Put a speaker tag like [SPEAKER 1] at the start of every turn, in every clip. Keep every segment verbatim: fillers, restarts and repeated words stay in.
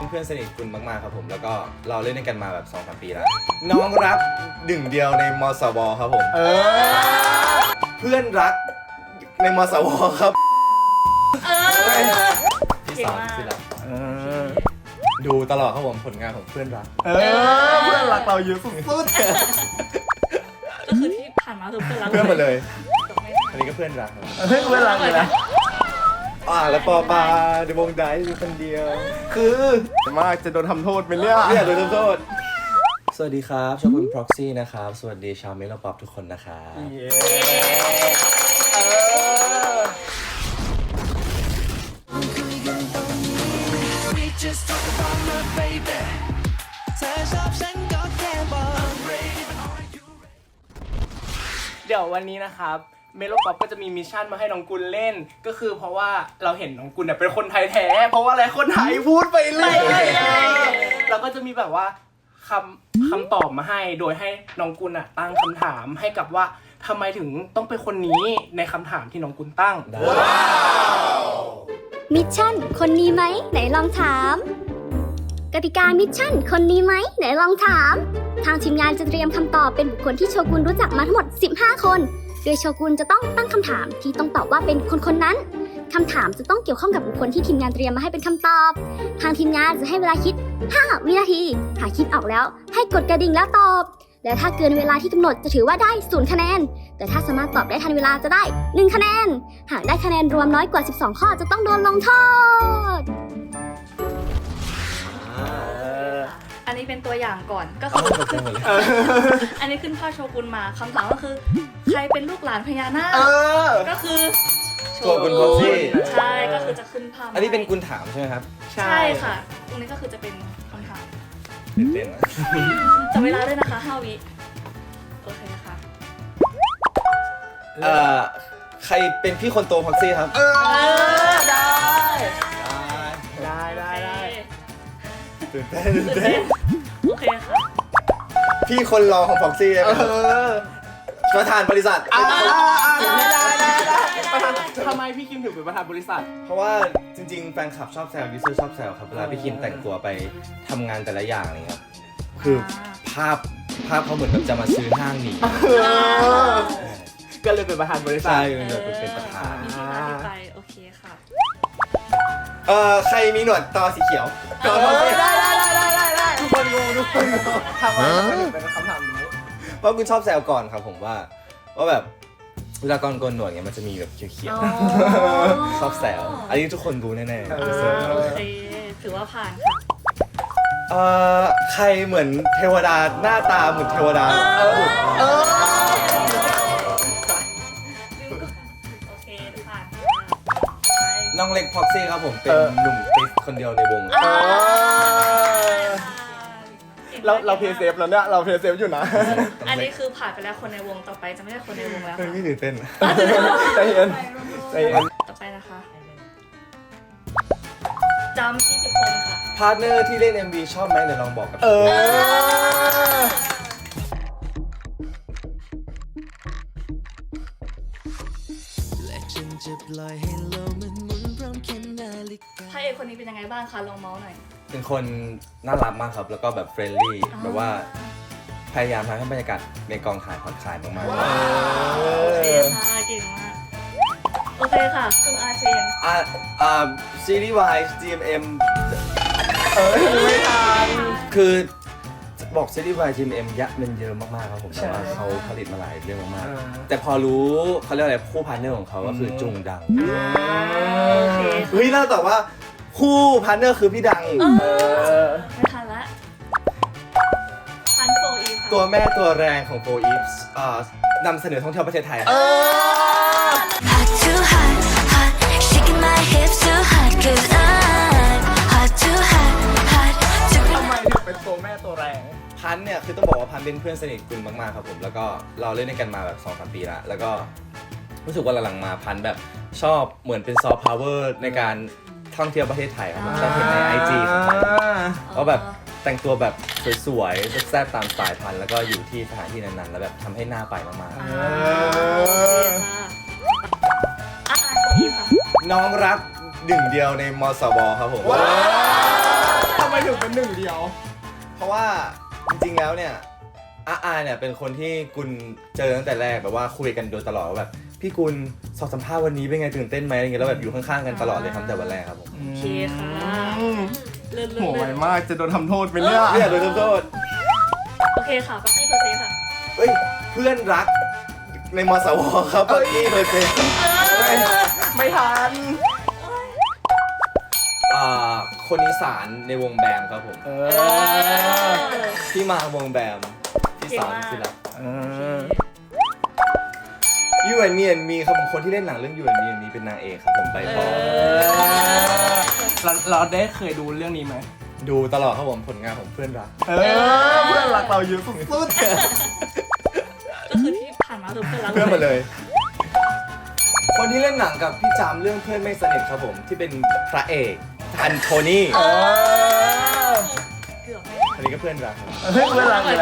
[SPEAKER 1] เพื่อนสนิทคุณมากๆครับผมแล้วก็เราเล่นด้วยกันมาแบบ สองถึงสาม ปีแล้วน้องรักหนึ่งเดียวในมสวครับผมเออเพื่อนรักในมสวครับเออที่สามที่รักดูตลอดครับผมผลงานของเพื่อนรักเออเพื่อนรักเราเยอะสุดๆ
[SPEAKER 2] ก็คือที่ผ่านมาคือเพื่อนรัก
[SPEAKER 1] เพื่อนหมดเลยอันนี้ก็เพื่อนรักครับ
[SPEAKER 3] เพื่อนรักเลยนะ
[SPEAKER 1] อ่าแล้วปอปาในวงไดมีคนเดียวคือ
[SPEAKER 3] มากจะโดนทำโทษไหมเนี่ย
[SPEAKER 1] เนี่ยโดนทำโทษสวัสดีครับชอบคุณ Proxy นะครับสวัสดีชาวเมโลป๊อปทุกคนนะครับ
[SPEAKER 3] เดี๋ยววันนี้นะครับเมโลป๊อปก็จะมีมิชชั่นมาให้น้องกุลเล่นก็คือเพราะว่าเราเห็นน้องกุลเนี่ยเป็นคนไทยแท้เพราะว่าอะไรคนไทยพูดไปเลยเราก็จะมีแบบว่าคำคำตอบมาให้โดยให้น้องกุลอ่ะตั้งคำถามให้กับว่าทำไมถึงต้องเป็นคนนี้ในคำถามที่น้องกุลตั้ง
[SPEAKER 4] มิชชั่นคนนี้ไหมไหนลองถามกติกามิชชั่นคนนี้ไหมไหนลองถามทางทีมงานจะเตรียมคำตอบเป็นบุคคลที่โชกุนรู้จักมาทั้งหมดสิบห้าคนโดยโชกุนจะต้องตั้งคำถามที่ต้องตอบว่าเป็นคนคนนั้นคำถามจะต้องเกี่ยวข้องกับบุคคลที่ทีมงานเตรียมมาให้เป็นคำตอบทางทีมงานจะให้เวลาคิดห้าวินาทีหากคิดออกแล้วให้กดกระดิ่งแล้วตอบและถ้าเกินเวลาที่กำหนดจะถือว่าได้ศูนย์คะแนนแต่ถ้าสามารถตอบได้ทันเวลาจะได้หนึ่งคะแนนหากได้คะแนนรวมน้อยกว่าสิบสองข้อจะต้องโดนลงโทษ
[SPEAKER 2] อันนี้เป็นตัวอย่างก่อนก็คืออันนี้ขึ้นภาพโชกุนมาคำถามก็คือใครเป็นลูกหลานพญานาคก็คือ
[SPEAKER 1] ตัวคุณพ็อกซี่
[SPEAKER 2] ใช่ก็คือจะขึ้นภาพ
[SPEAKER 1] อันนี้เป็นกุลถามใช่ไหมครับ
[SPEAKER 2] ใช่ค่ะตรงนี้ก็คือจะเป็นคำถาม
[SPEAKER 1] เต้น
[SPEAKER 2] ๆจะเวลาด้วยนะคะห้าวิโอเคค่ะ
[SPEAKER 1] เอ่อใครเป็นพี่คนโตพ็อกซี่ครับ
[SPEAKER 3] เออได้ได้ได้ได้
[SPEAKER 1] ตื่นเต้นตื่นเต้น
[SPEAKER 2] โอเคค่ะ
[SPEAKER 1] พี่คนรองของพ็อกซี่นะครับประธานบริษัท
[SPEAKER 3] อ่าได้ได้ได้ประธานทำไมพี่คิมถึงเป็นประธานบริษัท
[SPEAKER 1] เพราะว่าจริงๆแฟนคลับชอบแซวยูเซอร์ชอบแซวครับเวลาพี่คิมแต่งตัวไปทำงานแต่ละอย่างอะไรเงี้ยคือภาพภาพเขาเหมือนแบบจะมาซื้อห้างนี้
[SPEAKER 3] ก็เลยเป็นประธานบริษัท
[SPEAKER 1] ใช่เลยเป็นประธาน
[SPEAKER 2] ไปโอเคค่ะ
[SPEAKER 1] เอ่อใครมีหนวดตอสีเขียว
[SPEAKER 3] ได้ได้ได้ได้ได้ได้ทุกคนงงทุกคนงงทำไมถึงเป็นคำถามนี้
[SPEAKER 1] เพราะคุณชอบแซวก่อนครับผมว่าว่าแบบเวลาก่อนโกนหนวดเงี้ยมันจะมีแบบเขียวๆชอบแซวอันนี้ทุกคนรู้แน่ๆ
[SPEAKER 2] โอเคถือว่าผ่านค่ะ
[SPEAKER 1] เอ่อใครเหมือนเทวดาหน้าตาเหมือนเทวดาเออเออ
[SPEAKER 2] โอเคผ่าน
[SPEAKER 1] น้องเล็กพ็อกซี่ครับผมเป็นหนุ่มติ๊กคนเดียวในวง
[SPEAKER 3] เราเราเพย์เซฟแล้วเนี่ยเราเพย์เซฟอยู่นะ
[SPEAKER 2] อันนี้คือผ่านไปแล้วคนในวงต่อไปจะไม่ใช่คนในวงแล้วค่ะ
[SPEAKER 1] ไม่ตื่นเต้น
[SPEAKER 3] ใจเย็นใจเย็น
[SPEAKER 2] ต่อไปนะคะจำที่สิบคนค่ะ
[SPEAKER 1] พาร์ทเนอร์ที่เล่น เอ็ม วี ชอบไหมเดี๋ยวลองบอกกับ
[SPEAKER 3] เออ
[SPEAKER 2] พระเอกคนนี้เป็นยังไงบ้างคะลองเมาส์หน่อย
[SPEAKER 1] เป็นคนน่ารักมากครับแล้วก็แบบเฟรนลี่แบบว่าพยายามทำให้บรรยากาศในกองถ่ายผ่อนคลายมากๆ
[SPEAKER 2] โอเคค่ะเก่งมากโอเคค่ะคุณอาเชน
[SPEAKER 1] อ่าอ่าซีรีส์วาย จี เอ็ม เอ็ม
[SPEAKER 3] เออไม่ทัน
[SPEAKER 1] คือบอกซีรีส์วาย จี เอ็ม เอ็ม ยะมันเยอะมากๆครับผมแต่ว่าเขาผลิตมาหลายเรื่องมากๆแต่พอรู้เขาเรียกอะไรคู่พาร์ทเนอร์ของเขาก็คือจุงดังเฮ้ยน่าแต่ว่าคู่พาร์ทเนอร์คือพี่ดัง
[SPEAKER 2] ไม่ทันละพันโฟอีฟ
[SPEAKER 1] ตัวแม่ตัวแรงของโฟอีฟนำเสนอท่องเที่ยวประเทศไทย
[SPEAKER 3] ทำไมถึงเป็นตัวแม่ตัวแรง
[SPEAKER 1] พันเนี่ยคือต้องบอกว่าพันเป็นเพื่อนสนิทกุลมากๆครับผมแล้วก็เราเล่นด้วยกันมาแบบ สองถึงสาม ปีแล้วแล้วก็รู้สึกว่าหลังๆมาพันแบบชอบเหมือนเป็นซอฟต์พาวเวอร์ในการท่องเที่ยวประเทศไทยครับผมชอบเห็นใน ไอ จี ของพันเขาแบบแต่งตัวแบบสวยๆแซ่บๆตามสไตล์พันแล้วก็อยู่ที่สถานที่นั้นๆแล้วแบบทำให้หน้าไปมาก
[SPEAKER 2] ๆ
[SPEAKER 1] น้องรักหนึ่งเดียวในมสวครับผม
[SPEAKER 3] ทำำไมถึงเป็นหนึ่งเดียว
[SPEAKER 1] เพราะว่าจริงๆแล้วเนี่ยอาอาเนี่ยเป็นคนที่กุลเจอตั้งแต่แรกแบบว่าคุยกันโดยตลอดว่าแบบพี่กุลสอบสัมภาษณ์วันนี้เป็นไงตื่นเต้นไหมอะไรเงี้ยแล้วแบบอยู่ข้างๆกันตลอดเลยครับแต่วันแรกครับผม
[SPEAKER 2] โอเคค่ะเลื่อน
[SPEAKER 3] โหไว
[SPEAKER 2] ๆ
[SPEAKER 3] มากจะโดนทำโทษไปเนี่ย
[SPEAKER 1] เรียกโดยโทษ
[SPEAKER 2] โอเคค่ะปักกี้เพอร์เซค่ะ
[SPEAKER 1] เฮ้ยเพื่อนรักในมสวครับปักกี้เพอร์เซนต์
[SPEAKER 3] ไม่ไม่ทัน
[SPEAKER 1] อ่าคนอีสานในวงแบมครับผม
[SPEAKER 3] เออ
[SPEAKER 1] ที่มาวงแบมที่สามที่รัก
[SPEAKER 3] เออ
[SPEAKER 1] ยูแอนมีแอนมีครับผมคนที่เล่นหนังเรื่องยูแอนมีแอนมีเป็นนางเอกครับผมใบปอ
[SPEAKER 3] เราเราได้เคยดูเรื่องนี้ไหม
[SPEAKER 1] ดูตลอดครับผมผลงานของเพื่อนรัก
[SPEAKER 3] เออเพื่อนรักเราเยอะสุด
[SPEAKER 2] ก็คือที่ผ่านมาคือเพื่อนรัก
[SPEAKER 1] เพื่อนหมดเลย คนที่เล่นหนังกับพี่จามเรื่องเพื่อนไม่สนิทครับผมที่เป็นพระเอกอันโทนี่
[SPEAKER 3] เออ
[SPEAKER 2] เกือบไม่
[SPEAKER 1] อันนี้ก็เพื่อนรักครับ
[SPEAKER 3] เพื่อนรักเลยนะ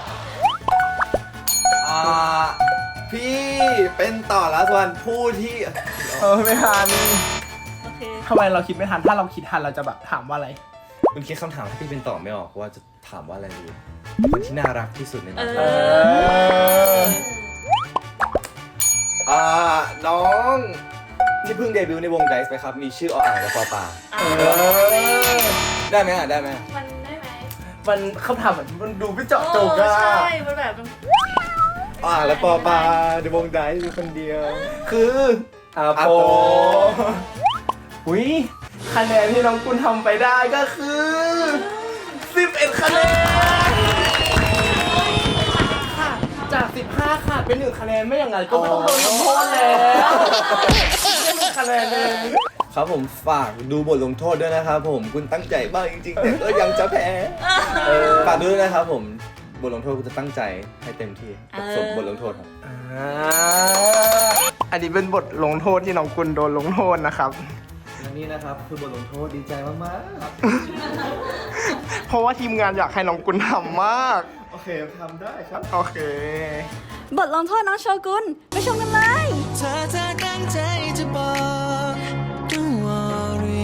[SPEAKER 1] อ่าพี่เป็นต่อละส่วนผู้ที่
[SPEAKER 3] เออไม่ทัน
[SPEAKER 2] โอเค
[SPEAKER 3] ทำไมเราคิดไม่ทันถ้าเราคิดทันเราจะแบบถามว่าอะไร
[SPEAKER 1] คุณคิดคำถามที่พี่เป็นต่อไม่ออกว่าจะถามว่าอะไรดีคนที่น่ารักที่สุดใน
[SPEAKER 2] เอ
[SPEAKER 1] นั้น
[SPEAKER 2] อ
[SPEAKER 1] อ่าน้องที่เพิ่งเดบิวต์ในวงไดส์ไปครับมีชื่อออ่างและปอปา
[SPEAKER 2] อ่ะ
[SPEAKER 3] เออ
[SPEAKER 1] ได้ไหมอ่ะได้ไหม
[SPEAKER 2] มันได้ไหม
[SPEAKER 3] มันคำถามมันมันดูไม่เจาะจง
[SPEAKER 2] โอ้
[SPEAKER 3] อะ
[SPEAKER 2] ใช่มันแบบมัน
[SPEAKER 1] ออ่างและปอปาในวงไดส์มีคนเดียว
[SPEAKER 3] คืออา
[SPEAKER 1] อา
[SPEAKER 3] โป
[SPEAKER 1] โป
[SPEAKER 3] อุ้ยคะแนนที่น้องกุลทำไปได้ก็คือสิบเอ็ดคะแนนค่ะจากสิบห้าค่ะเป็นหนึ่งคะแนนไม่อย่างนั้นก็ไม่ต้องโดนทำโทษแล้วไม่มีคะแนนเลย
[SPEAKER 1] ครับผมฝากดูบทลงโทษด้วยนะครับผมคุณตั้งใจมากจริงๆแต่ก็ยังจะแพ้ฝากด้วยนะครับผมบทลงโทษคุณจะตั้งใจให้เต็มที่สมบทลงโทษครับ
[SPEAKER 3] อ่าอันนี้เป็นบทลงโทษที่น้องกุลโดนลงโทษนะครับ
[SPEAKER 1] และนี่นะครับคือบทลงโทษดีใจมาก
[SPEAKER 3] เพราะว่าทีมงานอยากให้น้องกุลทำมาก
[SPEAKER 1] ๆโอเคทำได้ครับ
[SPEAKER 3] โอเค
[SPEAKER 4] บทลงโทษน้องโชกุนไปชมกันเลย
[SPEAKER 5] ถ้าเธอตั้งใจจะบอก Don't worry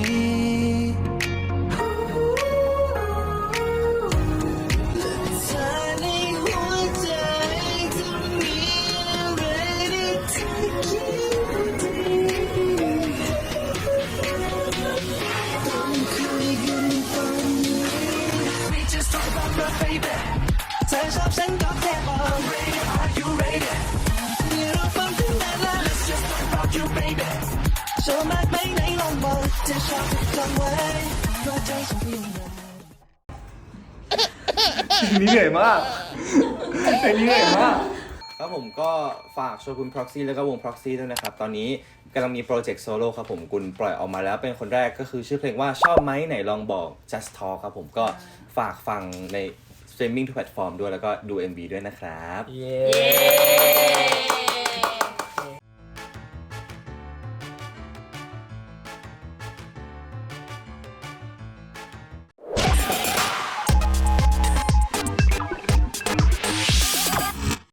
[SPEAKER 5] และเธอในหัวใจจะมีอะไรที่เธอคิดดีต้องคุยกันตอนนี้ We just talk about love baby เธอชอบฉันก็แค่บอก Are you ready นี่เราฟังถึงไหนแล้ว Let's just talk about you baby ชอบมากไหมไหนลองบอกจะชอบจำไว้เพราะใจฉันเพียงใด
[SPEAKER 3] นี่เหนื่อยมากไอ้นี่เหนื่อยมาก
[SPEAKER 1] ครับผมก็ฝากโชกุน Proxy แล้วก็วง Proxy ด้วยนะครับ ตอนนี้กำลังมีโปรเจกต์โซโล่ครับผมกุลปล่อยออกมาแล้วเป็นคนแรกก็คือชื่อเพลงว่าชอบไหมไหนลองบอก Just Talk ครับผมก็ฝากฟังใน streaming ทุกแพลตฟอร์มด้วยแล้วก็ดู เอ็ม วี ด้วยนะครับ
[SPEAKER 3] เย้